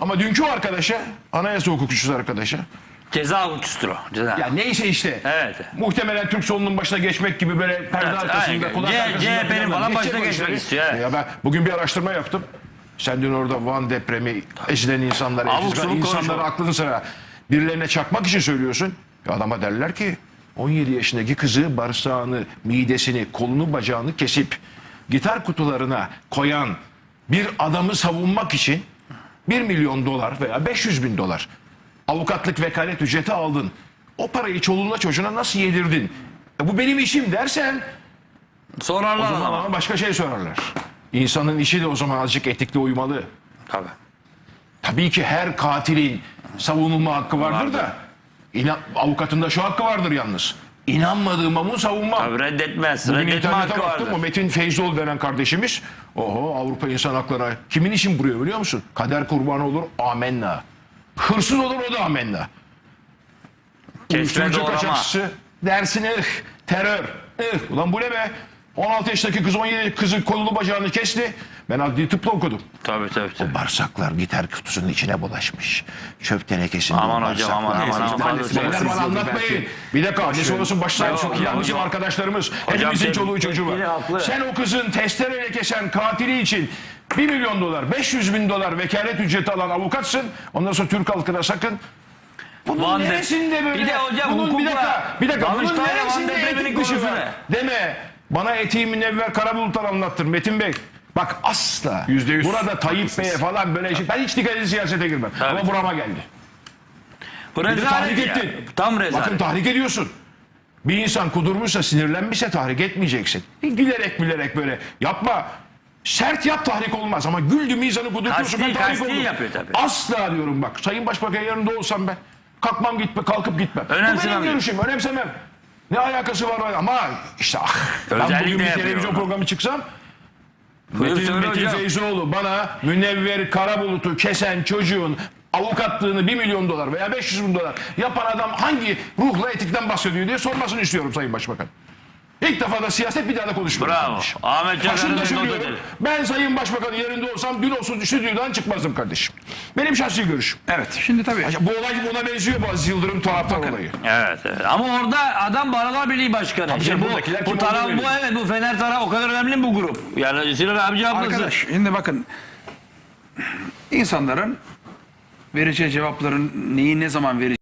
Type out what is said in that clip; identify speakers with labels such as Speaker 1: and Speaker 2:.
Speaker 1: Ama dünkü arkadaşa, anayasa hukukçusu arkadaşa,
Speaker 2: Ceza hukukçusudur o. Ceza.
Speaker 1: ya neyse işte.
Speaker 2: Evet.
Speaker 1: Muhtemelen Türk solunun başına geçmek gibi böyle perde
Speaker 2: Evet,
Speaker 1: arkasında,
Speaker 2: aynen.
Speaker 1: kulak arkasında.
Speaker 2: CHP'nin falan
Speaker 1: geçecek
Speaker 2: başına
Speaker 1: o
Speaker 2: geçmek
Speaker 1: işleri.
Speaker 2: istiyor, evet.
Speaker 1: Ya ben bugün bir araştırma yaptım. Sen dün orada Van depremi ezilen insanlar,
Speaker 2: Abuk sabuk
Speaker 1: insanları
Speaker 2: konuşma.
Speaker 1: aklını sıra birilerine çakmak için söylüyorsun. Ya adama derler ki 17 yaşındaki kızı bağırsağını, midesini, kolunu, bacağını kesip gitar kutularına koyan bir adamı savunmak için 1 milyon dolar veya 500 bin dolar avukatlık vekalet ücreti aldın. O parayı çoluğuna çocuğuna nasıl yedirdin? Bu benim işim dersen o
Speaker 2: Sorarlar
Speaker 1: zaman
Speaker 2: ama.
Speaker 1: ama başka şey sorarlar. İnsanın işi de o zaman azıcık etikli uymalı.
Speaker 2: Tabii.
Speaker 1: Tabii ki her katilin savunulma hakkı vardır da avukatın da şu hakkı vardır yalnız. İnanmadığım ama savunmam.
Speaker 2: Tabii reddetmez.
Speaker 1: Bugün
Speaker 2: Reddetme
Speaker 1: internete
Speaker 2: hakkı
Speaker 1: baktım
Speaker 2: vardır.
Speaker 1: mı Metin Feyzoğlu denen kardeşimiz Avrupa İnsan Hakları kimin için vuruyor biliyor musun? Kader kurbanı olur amenna. Hırsız olur o da amenna.
Speaker 2: Kesme
Speaker 1: Uyuşturucu
Speaker 2: doğrama.
Speaker 1: kaçakçısı dersin terör. Ulan bu ne be? 16 yaşındaki kız 17 kızın kolunu bacağını kesti. Ben adli tıpla okudum.
Speaker 2: Tabii.
Speaker 1: Bağırsaklar gitar kutusunun içine bulaşmış. Çöp tenekesinde
Speaker 2: Aman
Speaker 1: o
Speaker 2: hocam,
Speaker 1: bağırsaklar.
Speaker 2: aman,
Speaker 1: Neyse,
Speaker 2: aman,
Speaker 1: işte
Speaker 2: fazla
Speaker 1: beyler bana anlatmayın. Bir dakika annesi olasın baş sağ olsun. Bizim arkadaşlarımız. Hepimizin
Speaker 2: tabii,
Speaker 1: çoluğu çocuğu var.
Speaker 2: haklı.
Speaker 1: Sen o kızın testereyle kesen katili için 1 milyon dolar, 500 bin dolar vekalet ücreti alan avukatsın. Ondan sonra Türk halkına sakın. Bunun
Speaker 2: Van
Speaker 1: neresinde böyle?
Speaker 2: Bir de hocam
Speaker 1: bunun bir
Speaker 2: hukukla
Speaker 1: dakika. Bunun
Speaker 2: Danıştay'la Van
Speaker 1: neresinde
Speaker 2: depreminin
Speaker 1: etik dışı
Speaker 2: konusu
Speaker 1: var?
Speaker 2: ne?
Speaker 1: Deme. Bana etiği münevver Karabulutlar anlattır Metin Bey. Bak asla.
Speaker 3: %100
Speaker 1: Burada Tayyip Bey'e falan böyle şey. Ben hiç dikkat edin siyasete girmem.
Speaker 2: Tabii.
Speaker 1: Ama burama geldi.
Speaker 2: Bu
Speaker 1: Bir de tahrik
Speaker 2: rezalet ya.
Speaker 1: ettin.
Speaker 2: Tam
Speaker 1: Bakın
Speaker 2: rezalet.
Speaker 1: tahrik ediyorsun. Bir insan kudurmuşsa, sinirlenmişse tahrik etmeyeceksin. Gülerek böyle. Yapma. Sert yap tahrik olmaz ama güldü mizanı kudurtuyorsun.
Speaker 2: Kasti-
Speaker 1: Ben tahrik
Speaker 2: kasti
Speaker 1: olurum.
Speaker 2: yapıyor tabii.
Speaker 1: Asla diyorum bak. Sayın Başbakan yanında olsam ben. Kalkıp gitmem. Bu
Speaker 2: Önemsemem.
Speaker 1: benim görüşüm. Önemsemem. Ne alakası var ama işte ben
Speaker 2: Özellikle
Speaker 1: bugün bir
Speaker 2: yapıyor
Speaker 1: televizyon
Speaker 2: onu.
Speaker 1: programı çıksam
Speaker 2: Buyur
Speaker 1: Metin
Speaker 2: söyle hocam.
Speaker 1: Feyzoğlu bana Münevver Karabulut'u kesen çocuğun avukatlığını 1 milyon dolar veya 500 bin dolar yapan adam hangi ruhla etikten bahsediyor diye sormasını istiyorum Sayın Başbakan. İlk defa da siyaset bir daha da konuşmuyorum.
Speaker 2: Bravo. Ahmet
Speaker 1: Başında
Speaker 2: Çakar'ın
Speaker 1: söylüyorum. Ben Sayın Başbakan'ın yerinde olsam dün olsun stüdyodan çıkmazdım kardeşim. Benim şahsi görüşüm.
Speaker 3: Evet. Şimdi tabii.
Speaker 1: Bu olay buna benziyor bu Aziz Yıldırım taraftar olayı.
Speaker 2: Evet. Ama orada adam Barolar Birliği Başkanı.
Speaker 1: canım,
Speaker 2: Bu
Speaker 1: buradakiler kim
Speaker 2: taraf
Speaker 1: olduğunu
Speaker 2: bu evet bu Fener tarafı o kadar önemli mi bu grup? Yani Sinan abi cevaplasın.
Speaker 3: Arkadaş şimdi bakın insanların vereceği cevapların neyi ne zaman vereceği